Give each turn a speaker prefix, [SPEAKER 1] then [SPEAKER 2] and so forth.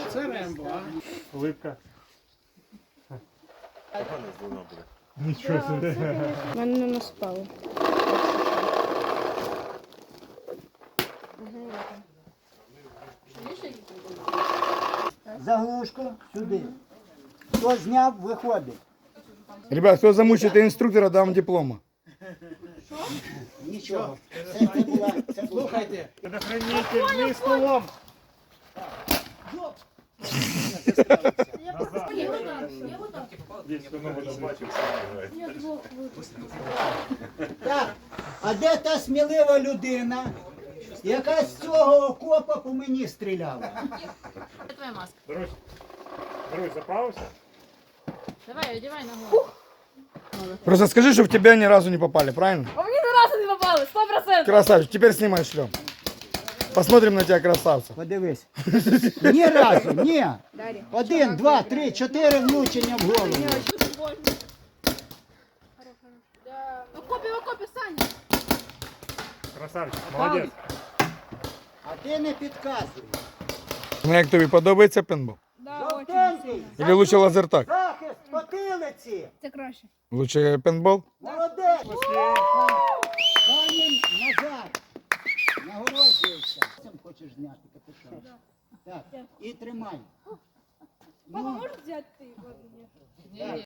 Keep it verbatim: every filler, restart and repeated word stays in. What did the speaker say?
[SPEAKER 1] Це Рембо, а?
[SPEAKER 2] Улыбка. Нічого собі.
[SPEAKER 3] Мене не наспали.
[SPEAKER 4] Заглушку сюди. Хто зняв, виходить.
[SPEAKER 5] Ребят, кто замучит инструктора, дам диплома.
[SPEAKER 4] Нічого. Це, це була, це була.
[SPEAKER 1] Слухайте,
[SPEAKER 2] Предохранитель не столом. Десь воно буде бачив,
[SPEAKER 4] Так, а де та смілива людина, яка з цього окопа по мені стріляла?
[SPEAKER 6] Це твоя маска.
[SPEAKER 2] Друзі, друзі, заправився?
[SPEAKER 6] Давай, одевай на голову.
[SPEAKER 5] Просто скажи, что в тебя ни разу не попали, правильно?
[SPEAKER 6] А мені ні разу не попали, сто процентів.
[SPEAKER 5] Красавчик, теперь снимай шлем. Посмотрим на тебя, красавца.
[SPEAKER 4] Подивись. Ні разу, ні. Один, два, три, чотири влучення в голову.
[SPEAKER 6] Окопі, окопі, Саня.
[SPEAKER 2] Красавчик, молодець.
[SPEAKER 4] А ти не підказуй.
[SPEAKER 5] Ну, як тобі подобається пейнтбол?
[SPEAKER 4] Жовтенький,
[SPEAKER 5] Или лучше лазертаг?
[SPEAKER 4] захист потилиці.
[SPEAKER 3] Це краще.
[SPEAKER 5] Лучше пейнтбол?
[SPEAKER 4] Молодець. Пані назад. Нагороджуєшся. Сам хочеш зняти капюшон. Так, і тримай.
[SPEAKER 3] Папа, можеш взяти ти?
[SPEAKER 4] Так.